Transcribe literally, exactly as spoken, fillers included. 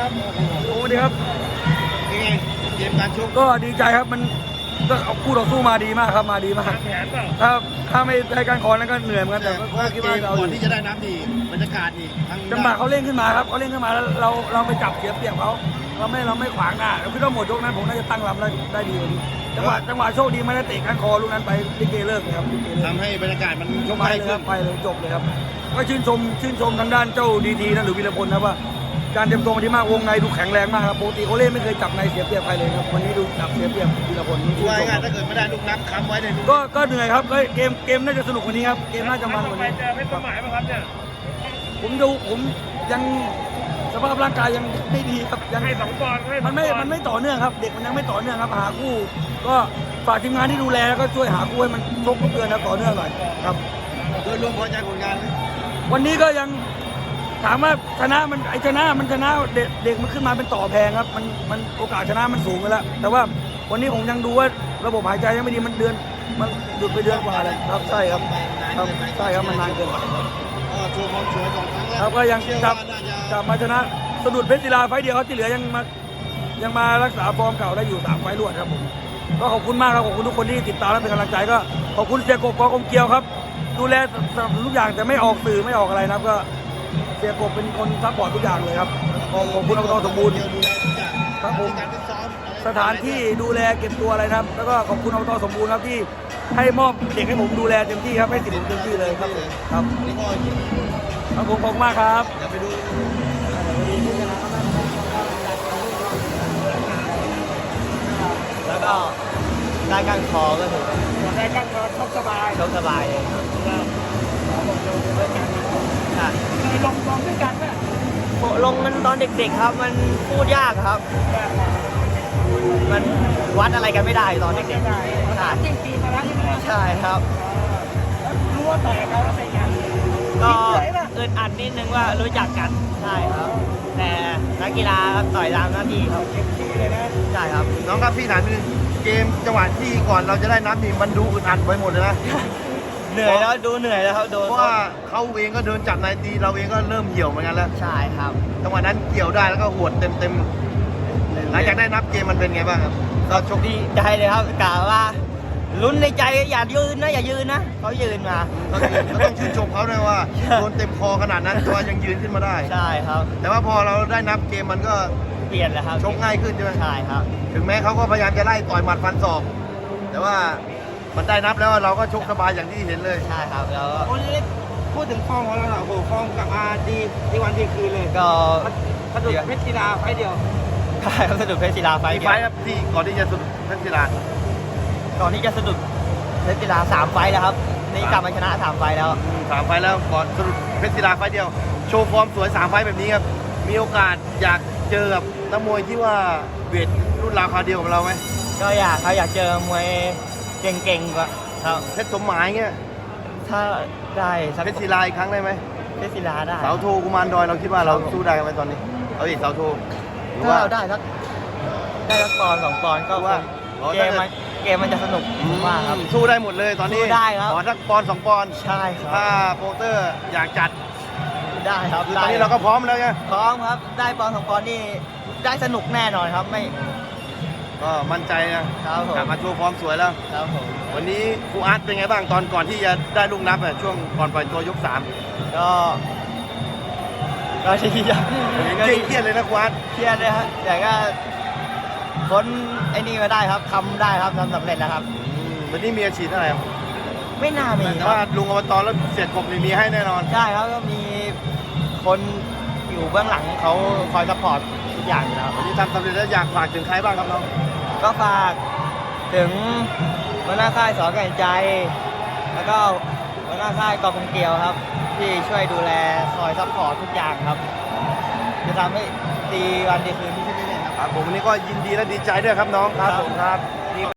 ครับโอ้โหดีครับยังไงเกมการชกก็ดีใจครับมันก็เอาคู่ต่อสู้มาดีมากครับมาดีมากถ้าถ้าไม่ได้การคอนั้นก็เหนื่อยเหมือนกันแต่ก็คิดว่าเราก่อนที่จะได้น้ำดีบรรยากาศนี่จังหวะเขาเล่นขึ้นมาครับเขาเล่นขึ้นมาแล้วเราเราไปจับเสียเปรียบเขาเราไม่เราไม่ขวางหน้าเราคิดว่าหมดยกนั้นผมน่าจะตั้งลำได้ได้ดีกว่านี้จังหวะจังหวะโชคดีไม่ได้เตะก้านคอลูกนั้นไปลิเกเลิกเลยครับทำให้บรรยากาศมันยกไปเลยครับไปเลยจบเลยครับก็ชื่นชมชื่นชมทางด้านเจ้าดีทีนะหรือวีรพลนะว่าการเตรียมตัวมาดีมากวงในดูแข็งแรงมากครับปกติเขาเล่นไม่เคยจับในเสียเปรียบใครเลยครับวันนี้ดูจับเสียเปรียบวีรพลว่าไงถ้าเกิดไม่ได้ลูกนับค้ำไว้ในก็ก็เหนื่อยครับเกมเกมน่าจะสนุกกว่านี้ครับเกมน่าจะมันกว่านี้ไม่ประมาทไหมครับเนี่ยผมดูผมยังสภาพร่างกายยังไม่ดีครับยังให้สองปอนด์มันไม่มันไม่ต่อเนื่องครับเด็กมันยังไม่ต่อเนื่องครับหาคู่ก็ฝากทีมงานที่ดูแลแล้วก็ช่วยหาคู่ให้มันชกทุกเดือนนะต่อเนื่องหน่อยครับโดยรวมพอใจผลงานวันนี้ก็ยังถามว่าชนะมันไอชนะมันชนะเด็กเด็กมันขึ้นมาเป็นต่อแพงครับมันมันโอกาสชนะมันสูงไปแล้วแต่ว่าวันนี้ผมยังดูว่าระบบหายใจยังไม่ดีมันเดือนมันหยุดไปเดือนกว่าเลยครับใช่ครับครับใช่ครับมันนานเกินไปโชว์ความสวยสองครั้งแล้วครับก็ยังจับจับมาชนะสะดุดเพชรศิลาไฟเดียวเขาที่เหลือยังมายังมารักษาฟอร์มเก่าได้อยู่สามไฟรวดครับผมก็ขอบคุณมากครับขอบคุณทุกคนที่ติดตามและเป็นกำลังใจก็ขอบคุณเสียกบกอกมเกียวครับดูแลทุกอย่างแต่ไม่ออกสื่อไม่ออกอะไรนะครับก็เสียกบเป็นคนซัพพอร์ตทุกอย่างเลยครับขอบคุณอบตสมบูรณ์ครับผมสถานที่ดูแลเก็บตัวอะไรนะครับแล้วก็ขอบคุณอบตสมบูรณ์ครับที่ให้มอบเด็กให้ผมดูแลเต็มที่ครับให้สิทธิ์ผมเต็มที่เลยครับครับครับผมขอบคุณมากครับแล้วก็ได้ก้านคอก็ถือได้ก้านคอชกสบายชกสบายเลยใช่ลงลงด้วยกันไหมลงมันตอนเด็กๆครับมันพูดยากครับมันวัดอะไรกันไม่ได้ตอนเด็กๆใช่จริงปีมาแล้วใช่ไหมใช่ครับรู้ว่าต่อยกันแล้วเป็นไงก็อึดอัดนิดนึงว่ารู้จักกันใช่ครับแต่นักกีฬาต่อยตามหน้าที่ครับใช่ครับน้องครับพี่ถามนิดนึงเกมจังหวะที่ก่อนเราจะได้นับนี่มันดูอึดอัดไปหมดเลยนะเหนื่อยแล้วดูเหนื่อยแล้วครับโดนเพราะว่าเขาเองก็เดินจับนายตีเราเองก็เริ่มเหี่ยวเหมือนกันแล้วใช่ครับจังหวะนั้นเกี่ยวได้แล้วก็หวดเต็มเต็มหลังจากได้นับเกมมันเป็นไงบ้างครับก็โชคดีใจเลยครับกล่าวว่าลุ้นในใจอย่ายืนนะอย่ายืนนะเขายืนมาก็ต้องชื่นชมเขาด้วยว่าโดนเต็มคอขนาดนั้นตัวยังยืนขึ้นมาได้ใช่ครับแต่ว่าพอเราได้นับเกมมันก็เปลี่ยนแล้วครับชกง่ายขึ้นใช่ไหมใช่ครับถึงแม้เขาก็พยายามจะไล่ต่อยหมัดฟันศอกแต่ว่ามันได้นับแล้วเราก็ชกสบายอย่างที่เห็นเลยใช่ครับแล้วพูดถึงฟอร์มของเราโอ้โหฟอร์มกับอาดีดีวันดีคืนเลยก็สะดุดเพชรศิลาไฟเดียวใช่ครับสะดุดเพชรศิลาไฟเดียวไฟครับที่ก่อนที่จะสะดุดเพชรศิลาก่อนที่จะสะดุดเพชรศิลาสามไฟแล้วครับนี่กลับมาชนะสามไฟแล้วสามไฟแล้วก่อนสะดุดเพชรศิลาไฟเดียวโชว์ฟอร์มสวยสามไฟแบบนี้ครับมีโอกาสอยากเจอกับนักมวยที่ว่าเวทรุ่นราวคราวเดียวกับเราไหมก็อยากครับอยากเจอมวยเก่งๆกว่าครับเพชรสมหมายเงี้ยถ้าได้เพชรศิลาอีกครั้งได้ไหมเพชรศิลาได้เสาโทกุมารดอยเราคิดว่าเราสู้ได้ไหมตอนนี้เอาอีกเสาโทถ้าเราได้สักได้สักปอนสองปอนก็ว่าเกมมันเกมมันจะสนุกมากครับสู้ได้หมดเลยตอนนี้ได้ครับขอสักปอนสองปอนใช่ครับถ้าโปรเตอร์อยากจัดได้ครับตอนนี้เราก็พร้อมแล้วไงพร้อมครับได้ปอนสองปอนนี่ได้สนุกแน่นอนครับไม่ก็มั่นใจนะครับผมกลับมาโชว์ฟอร์มสวยแล้วครับผมวันนี้ครูอาร์ตเป็นไงบ้างตอนก่อนที่จะได้ลูกนับช่วงก่อนปล่อยตัวยกสามก็ก็เครียดเครียดเลยนะครูอาร์ตเครียดเลยครับแต่ก็พ้นไอ้นี่มาได้ครับทำได้ครับทำสำเร็จแล้วครับวันนี้มีอาชีพอะไรไม่น่ามีแต่ว่าลุงอบตแล้วเสียกบมีให้แน่นอนใช่ครับก็มีคนอยู่เบื้องหลังเขาคอยซัพพอร์ตทุกอย่างอยู่แล้ววันนี้ทำสำเร็จแล้วอยากฝากถึงใครบ้างครับน้องก็ฝากถึงหัวหน้าค่ายสอนแก่ใจแล้วก็หัวหน้าค่ายกองเกียวครับที่ช่วยดูแลคอยซัพพอร์ตทุกอย่างครับจะทำให้ดีวันดีคืนที่นี่ครับผมวันนี้ก็ยินดีและดีใจด้วยครับน้องครับผมครับ